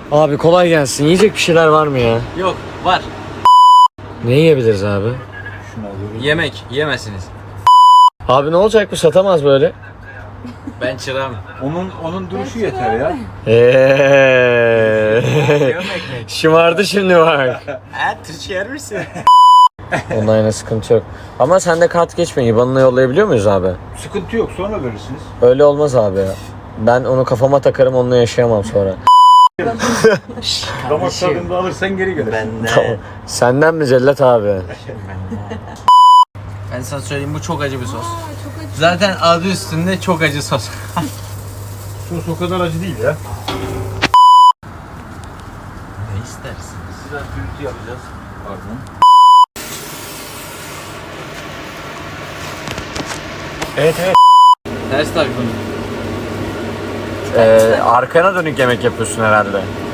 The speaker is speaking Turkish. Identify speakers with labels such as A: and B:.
A: Abi kolay gelsin. Yiyecek bir şeyler var mı ya?
B: Yok, var.
A: Ne yiyebiliriz abi?
B: Yemek, yiyemezsiniz.
A: Abi ne olacak bu, satamaz böyle.
B: Ben çırağım.
C: Onun duruşu yeter ya.
A: Şımardı şimdi bak.
B: Türkçe yer misin?
A: Ondan yana sıkıntı yok. Ama sende kart geçmiyor. İBAN'ına yollayabiliyor muyuz abi?
C: Sıkıntı yok, sonra verirsiniz.
A: Öyle olmaz abi ya. Ben onu kafama takarım, onunla yaşayamam sonra.
C: Damak tadında alırsan geri gelir.
A: Tamam. Senden mi Cellat abi?
B: Ben sana söyleyeyim, bu çok acı bir sos. Zaten adı üstünde çok acı sos.
C: Sos o kadar acı değil ya.
B: Ne istersin?
C: Biraz gürültü yapacağız. Pardon.
A: Evet evet.
B: Ters taktım.
A: Arkana dönük yemek yapıyorsun herhalde.